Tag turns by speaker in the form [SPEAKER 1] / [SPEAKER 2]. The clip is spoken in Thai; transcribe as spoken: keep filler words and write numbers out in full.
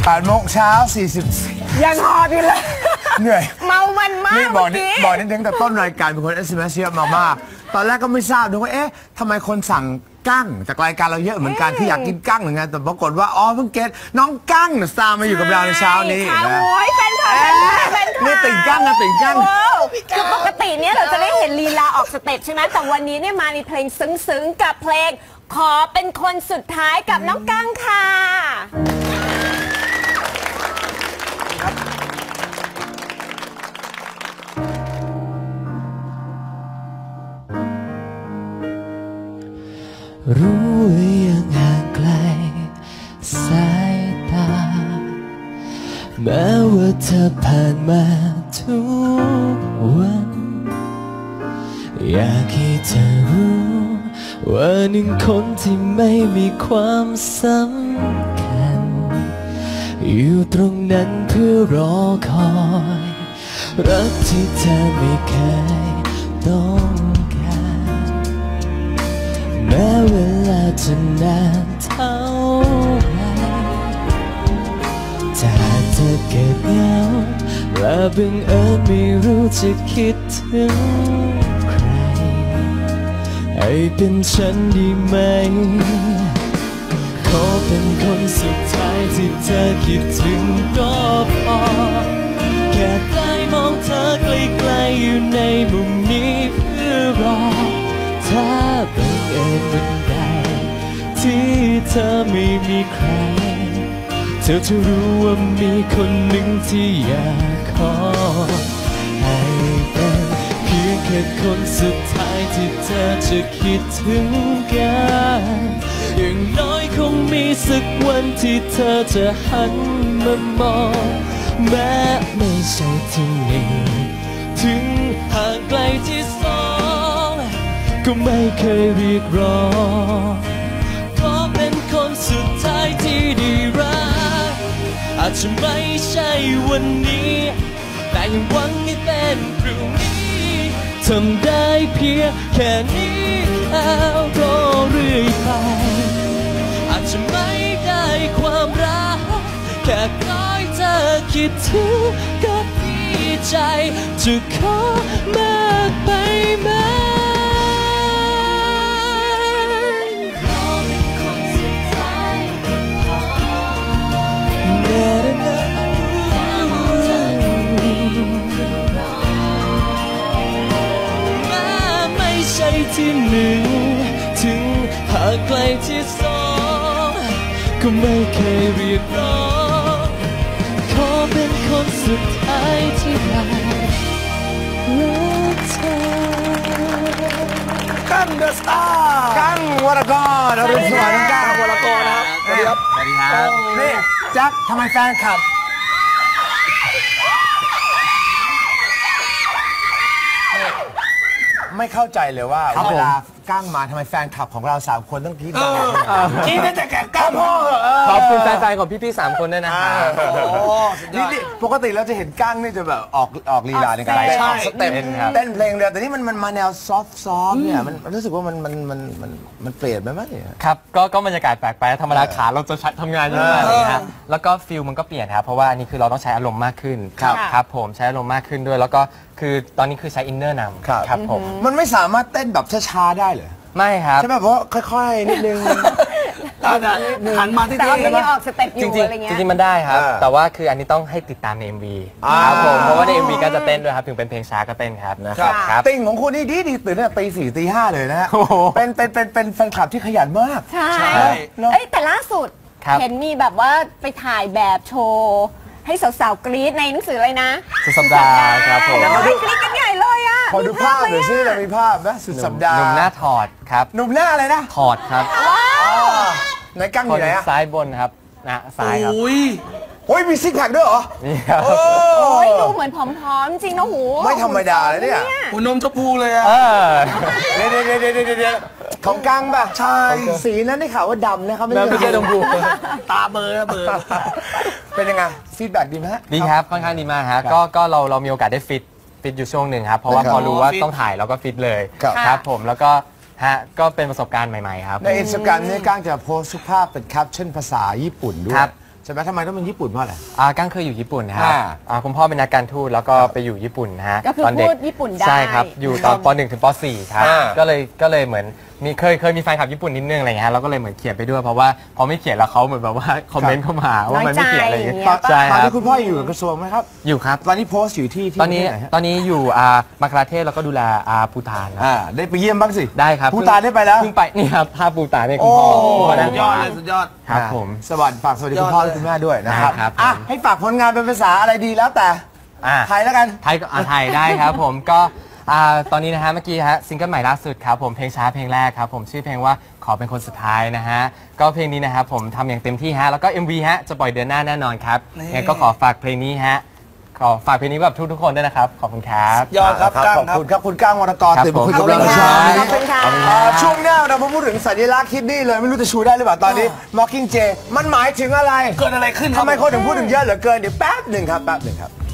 [SPEAKER 1] แปดโมงเช้าสี่สิบ
[SPEAKER 2] ยังหอบอยู่เลย
[SPEAKER 1] เหนื่อย
[SPEAKER 2] เมามันมาก
[SPEAKER 1] นี่บอกนี่บอกนี่ตั้งแต่ต้นรายการเป็นคน เอส เอ็ม เอส เยอะมากๆตอนแรกก็ไม่ทราบด้วยว่าเอ๊ะทำไมคนสั่งกั้งจากรายการเราเยอะเหมือนกันคืออยากกินกั้งเหมือนกันแต่ปรากฏว่าอ๋อเพิ่งเก็ตน้องกั้งสตาร์มาอยู่กับเราในเช้านี้นะ
[SPEAKER 2] โอ้ยแฟนคลับแฟนคลับ
[SPEAKER 1] นี่ติ่งกั้งนะติ่งกั้ง
[SPEAKER 2] คือปกติเนี่ยเราจะได้เห็นลีลาออกสเต็ปใช่ไหมแต่วันนี้เนี่ยมาในเพลงซึ้งๆกับเพลงขอเป็นคนสุดท้ายกับน้องกั้งค่ะ
[SPEAKER 3] รู้ยังห่างไกลสายตาแม้ว่าเธอผ่านมาทุกวันอยากให้เธอรู้ว่าหนึ่งคนที่ไม่มีความสำคัญอยู่ตรงนั้นเพื่อรอคอยรักที่เธอไม่เคยต้องแม้เวลาจะนานเท่าไรถ้าเธอเกิดเหงาและบังเอิญไม่รู้จะคิดถึงใครให้เป็นฉันดีไหมขอเป็นคนสุดท้ายที่เธอคิดถึงก็พอแค่ได้มองเธอไกลๆอยู่ในมุมนี้เพื่อรอถ้าบังเอิญวันใดที่เธอไม่มีใครเธอจะรู้ว่ามีคนหนึ่งที่อยากขอให้เป็นเพียงแค่คนสุดท้ายที่เธอจะคิดถึงกันอย่างน้อยคงมีสักวันที่เธอจะหันมามองแม้ไม่ใช่ที่หนึ่งถึงห่างไกลที่สองก็ไม่เคยเรียกร้องขอเป็นคนสุดท้ายที่ได้รักอาจจะไม่ใช่วันนี้แต่ยังหวังให้เป็นพรุ่งนี้ทำได้เพียงแค่นี้แล้วรอเรื่อยไปอาจจะไม่ได้ความรักแค่คอยเธอคิดถึงก็ดีใจจะขอมากไปไหมที่หนึ่งถึงหากไกลที่สองก็ไม่เคยเรียกร้องขอเป็นคนสุดท้ายที่รักเธอ
[SPEAKER 1] กั้งเดอะสตาร์กั้งวรกรอรุณสวัสดิ์กั้งวรกรนะครับสวัสดีครับสวัสดีครับนี่แจ็คทำไมแฟนคลับไม่เข้าใจเลยว่าเวลากั้งมาทำไมแฟนคลับของเราสามคนต้องคิดดังคิดแต่แกกั้งพ่อ
[SPEAKER 3] ขอบคุณแฟนๆของพี่ๆสามคนด้วยนะครับ
[SPEAKER 1] นี่ปกติเราจะเห็นกั้งนี่จะแบบออกออกลีลาในการเต้นสเต็ปเต้นเพลงเดียวแต่นี่มันมันมาแนวซอฟซอฟเนี่ยมันรู้สึกว่ามันมันมันมันมันเปลี่ยนไปไหม
[SPEAKER 3] ครับก็ก็บรรยากาศแปลกไปธรรมดาขาเราจะทำงานเยอะมากเลยนะแล้วก็ฟิลมันก็เปลี่ยนครับเพราะว่าอันนี้คือเราต้องใช้อารมณ์มากขึ้นครับผมใช้อารมณ์มากขึ้นด้วยแล้วก็คือตอนนี้คือใช้อินเนอร์นำครับผม
[SPEAKER 1] มันไม่สามารถเต้นแบบช้าๆได้เลย
[SPEAKER 3] ไม่ครับ
[SPEAKER 1] ใช่ไหมเพราะค่อยๆนิดนึงหันมาที่
[SPEAKER 2] แต่ว่าไม่ออกสเต็ปอยู่อะไรเงี้ย
[SPEAKER 3] จริงๆมันได้ครับแต่ว่าคืออันนี้ต้องให้ติดตามใน เอ็ม วี ครับผมเพราะว่าใน เอ็ม วี ก็จะเต้นด้วยครับถึงเป็นเพลงช้าก็เต้นครับ
[SPEAKER 1] นะครับติ่งของคุณนี่ดีดีตื่นตั้งแต่ตีสี่ตีห้าเลยนะฮะเป็นเป็นเป็นเป็นแฟนคลับที่ขยันมาก
[SPEAKER 2] ใช่แต่ล่าสุดเห็นมีแบบว่าไปถ่ายแบบโชว์ให้สาวๆกรี๊ดในหนังสืออะไรนะ
[SPEAKER 3] สุดสัปดาห์ครับผม
[SPEAKER 2] แล้วกรี๊ดกันใหญ่เลยอ่ะ
[SPEAKER 1] ขอดูภาพหน่อยซิเรามีภาพนะสุดสัปดาห์
[SPEAKER 3] หนุ่มหน้าถอดครับ
[SPEAKER 1] หนุ่มหน้าอะไรนะ
[SPEAKER 3] ถอดครับ
[SPEAKER 1] ไหนกั้งอยู่ไหนอะ
[SPEAKER 3] ซ้ายบนครับนะซ้ายครับ
[SPEAKER 1] โอ้ยโอ้ยมีซิกแพคด้วยเหรอ
[SPEAKER 3] นี่ครับ
[SPEAKER 2] โอ้ยดูเหมือนผอมๆจริงนะหู
[SPEAKER 1] ไม่ธรรมดาเลยเนี่ย
[SPEAKER 4] หัวนมชมพูเลยอะ
[SPEAKER 1] เดี๋ยวเดี๋ยวเดี๋ยวเดี๋ยวของกั้งป่ะใช่สีนั้นได้ข่าวว่าดำนะครับ
[SPEAKER 3] ไม่ใช่ชมพู
[SPEAKER 4] ตาเบอร์เบอร์
[SPEAKER 1] เป็นยังไงฟีดแบ็กดีไหม
[SPEAKER 3] ดีครับค่อนข้างดีมากฮะก็ก็เราเรามีโอกาสได้ฟิตฟิตอยู่ช่วงหนึ่งครับเพราะว่าพอรู้ว่าต้องถ่ายเราก็ฟิตเลยครับผมแล้วก็ฮะก็เป็นประสบการณ์ใหม่ๆครับ
[SPEAKER 1] ในอินสตาแกรมนี่ก้างจะโพสต์ภาพเป็นแคปชั่นภาษาญี่ปุ่นด้วยใช่ไหมทำไมต้องเป็นญี่ปุ่นเพราะอะไร
[SPEAKER 5] อ่ากั้งเคยอยู่ญี่ปุ่นนะครับ
[SPEAKER 1] อ่า
[SPEAKER 5] อ่าคุณพ่อเป็นนักการทูตแล้วก็ไปอยู่ญี่ปุ่นนะฮะ
[SPEAKER 2] ก็คือ
[SPEAKER 5] ตนเด็
[SPEAKER 2] พูดญี่ปุ่นได้
[SPEAKER 5] ใช่ครับ อยู่ตอนป .หนึ่ง ถึงป .สี่ ครับ
[SPEAKER 1] อ่า
[SPEAKER 5] ก็เลยก็เลยเหมือนมีเคยเคยมีแฟนคลับญี่ปุ่นนิดนึงอะไรอย่างเงี้ยฮะเราก็เลยเหมือนเขียนไปด้วยเพราะว่าพอไม่เขียนแล้วเขาเหมือนแบบว่าคอมเมนต์เข้ามาว่ามันไม่เขียนอะไรอย่างเงี้ย
[SPEAKER 2] น้อยใจ
[SPEAKER 5] ใช่
[SPEAKER 1] ตอน
[SPEAKER 5] ครั
[SPEAKER 1] นี้
[SPEAKER 5] บ
[SPEAKER 1] คุณพ่ออยู่กับกระทรวงไหมครับ
[SPEAKER 5] อยู่ครับ
[SPEAKER 1] ตอนนี้โพสต์อยู่ที่ที่
[SPEAKER 5] ตอนนี้
[SPEAKER 1] ที่ไหฮะ
[SPEAKER 5] ตอนนี้อยู่อ่ามังคลาเทศแล้วก็ดูแลอาภูฏานนะ
[SPEAKER 1] อ่าได้ไปเยี่ยมบ้างสิ
[SPEAKER 5] ได้ครับ
[SPEAKER 1] ภูฏานได้ไปแล้ว
[SPEAKER 5] เพิ่งไปนี่ครับภาพภูฏานเนี่ยคุณพ่อ
[SPEAKER 1] โอ้
[SPEAKER 5] คุณพ่อนั่
[SPEAKER 4] สุ
[SPEAKER 5] ง
[SPEAKER 4] ดยอดเลยสุดยอด
[SPEAKER 5] ครับผม
[SPEAKER 1] สวัสดีฝากสวัสดีคุณพ่อและคุณแม่ด้วยนะครับ
[SPEAKER 5] ได้ครับ
[SPEAKER 1] อ่ะให้ฝากผลงานเป็นภาษาอะไรดีแล้วแต่
[SPEAKER 5] อ่า
[SPEAKER 1] ไทยแล้วกัน
[SPEAKER 5] ไทยก็อ่าไทยได้ครับผมก็อ่าตอนนี้นะฮะเมื่อกี้ฮะซิงเกิลใหม่ล่าสุดครับผมเพลงช้าเพลงแรกครับผมชื่อเพลงว่าขอเป็นคนสุดท้ายนะฮะก็เพลงนี้นะครับผมทำอย่างเต็มที่ฮะแล้วก็ เอ็ม วี ฮะจะปล่อยเดือนหน้าแน่นอนครับ
[SPEAKER 4] นี่
[SPEAKER 5] งั้นก็ขอฝากเพลงนี้ฮะขอฝากเพลงนี้แบบทุกๆคนด้วยนะครับขอบคุณครับ
[SPEAKER 4] ยอดครับ
[SPEAKER 1] ครับ
[SPEAKER 4] กั้ง
[SPEAKER 1] ขอบ
[SPEAKER 4] ครับ
[SPEAKER 1] คุณครับคุณก้างวรรณกร
[SPEAKER 5] ครับ
[SPEAKER 1] ตื่นมาคุย
[SPEAKER 5] ผม
[SPEAKER 1] กับเรา
[SPEAKER 2] ขอบคุณ
[SPEAKER 1] เช้า
[SPEAKER 2] ค่ะขอบคุณค่ะ
[SPEAKER 1] เอ่อช่วงหน้าเรามาพูดถึงสัญลักษณ์คิดนี่เลยไม่รู้จะชูได้หรือเปล่าตอนนี้ Mockingjay มันหมายถึงอะไร
[SPEAKER 4] เกิดอะไรขึ้นครับ
[SPEAKER 1] ทำไมคนถึงพูดถึงเยอะเหลือเกินเดี๋ยวแป๊บหนึ่งครับแป๊บหนึ่งครับ